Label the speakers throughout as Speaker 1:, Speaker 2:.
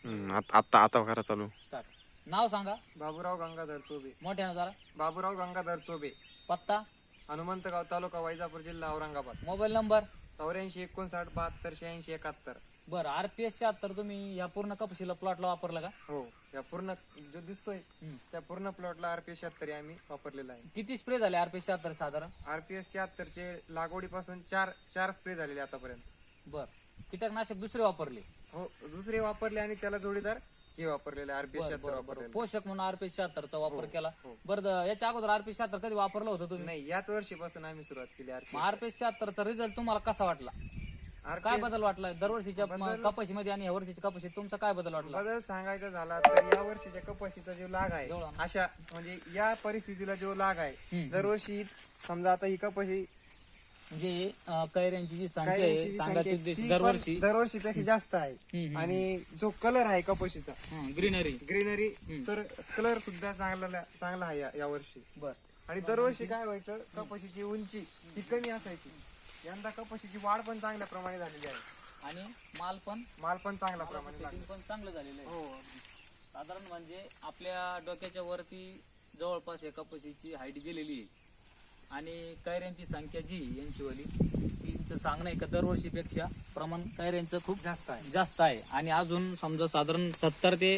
Speaker 1: आता आता करा चालू.
Speaker 2: स्टार्ट. नाव सांगा.
Speaker 3: बाबूराव गंगाधर चोबे.
Speaker 2: मोठ्यानं जरा.
Speaker 3: बाबूराव गंगाधर चोबे.
Speaker 2: पत्ता.
Speaker 3: हनुमंतगाव तालुका वैजापूर जिल्हा औरंगाबाद.
Speaker 2: Mobile number.
Speaker 3: 84 59 72 86 71.
Speaker 2: बरं, RPS 76 तुम्ही या पूर्ण कपाशीला प्लॉटला वापरला का?
Speaker 3: हो, या पूर्ण जो दिसतोय त्या पूर्ण प्लॉटला RPS 76 आम्ही वापरलेला आहे.
Speaker 2: किती स्प्रे झाले RPS 76 साधारण?
Speaker 3: RPS 76 चे लागवडीपासून चार स्प्रे झालेले आतापर्यंत.
Speaker 2: बर, कीटकनाशक दुसरे वापरले?
Speaker 3: हो, दुसरे वापरले आणि त्याला जोडीदार हे वापरलेले RPS 76 वापरलेले.
Speaker 2: पोषक म्हणून RPS 76 चा वापर केला.
Speaker 3: हो.
Speaker 2: बरं, याच्या अगोदर RPS 76 कधी वापरलं होतं तुम्ही?
Speaker 3: नाही, याच वर्षीपासून आम्ही सुरुवात केली.
Speaker 2: RPS 76 चा रिझल्ट तुम्हाला कसा वाटला? काय बदल वाटला दरवर्षीच्या कपाशीमध्ये आणि या वर्षीच्या कपाशीत तुमचा काय बदल वाटला?
Speaker 3: बदल सांगायचा झाला तर या वर्षीच्या कपाशीचा जो लाग आहे, अशा म्हणजे या परिस्थितीला जो लाग आहे, दरवर्षी समजा आता ही कपाशी
Speaker 2: म्हणजे कैऱ्यांची जी संख्या आहे सांगायची
Speaker 3: दरवर्षीपेक्षा जास्त आहे. आणि जो कलर आहे कपाशीचा ग्रीनरी तर कलर सुद्धा चांगला आहे या वर्षी.
Speaker 2: बर.
Speaker 3: आणि दरवर्षी काय व्हायचं, कपाशीची उंची ही कमी असायची. यंदा कपाशीची वाढ पण चांगल्या प्रमाणे झालेली आहे
Speaker 2: आणि माल पण
Speaker 3: चांगल्या प्रमाणे
Speaker 2: पण चांगलं झालेलं आहे.
Speaker 3: हो,
Speaker 2: साधारण म्हणजे आपल्या डोक्याच्या वरती जवळपास या कपाशीची हाईट गेलेली आहे. आणि कैऱ्यांची संख्या जी यांची वाली तिचं सांगणं आहे का दरवर्षीपेक्षा प्रमाण कैऱ्यांचं खूप जास्त आहे. आणि अजून समजा साधारण 60 ते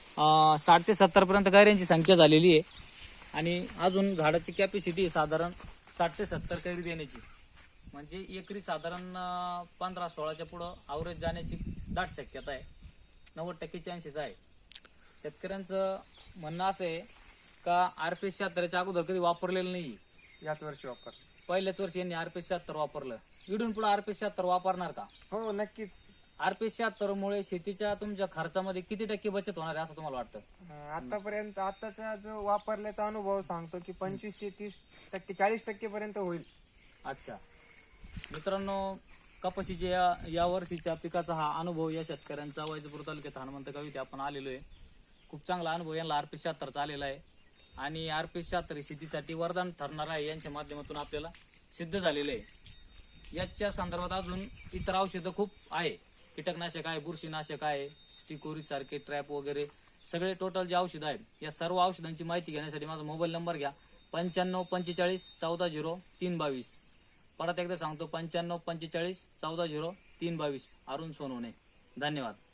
Speaker 2: 70 पर्यंत कैऱ्यांची संख्या झालेली आहे. आणि अजून झाडाची कॅपॅसिटी साधारण 60 ते 70 कैरी देण्याची, म्हणजे एकरी साधारण 15-16च्या पुढं अवरेज जाण्याची दाट शक्यता आहे. 90% चान्सेस आहे. शेतकऱ्यांचं म्हणणं असं आहे का RPS 76 अगोदर कधी वापरलेलं नाही,
Speaker 3: याच वर्षी वापर.
Speaker 2: पहिल्याच वर्षी यांनी RPS 76 वापरलं. इथून पुढे RPS 76 वापरणार का?
Speaker 3: हो, नक्कीच.
Speaker 2: RPS 76 मुळे शेतीच्या तुमच्या खर्चामध्ये किती टक्के बचत होणार आहे असं तुम्हाला वाटतं?
Speaker 3: आतापर्यंत आताचा जो वापरल्याचा अनुभव सांगतो की 25 ते 30%, 40% पर्यंत होईल.
Speaker 2: अच्छा मित्रांनो, कपाशीच्या या वर्षीच्या पिकाचा हा अनुभव या शेतकऱ्यांचा वैजापूर तालुक्यात हनुमंतगाव इथे आपण आलेलो आहे. खूप चांगला अनुभव यांना RPS 76 आलेला आहे. आणि RPS 76 शेतीसाठी वरदान ठरणार आहे यांच्या माध्यमातून आपल्याला सिद्ध झालेलं आहे. याच्या संदर्भात अजून इतर औषधं खूप आहे. कीटकनाशक आहे, बुरशीनाशक आहे, स्टिकोरी सारखे ट्रॅप वगैरे सगळे टोटल जे औषधं आहेत या सर्व औषधांची माहिती घेण्यासाठी माझा मोबाईल नंबर घ्या 95 45 14 0 322. परत एकदा सांगतो 95 45 14 0 322. अरुण सोनवणे. धन्यवाद.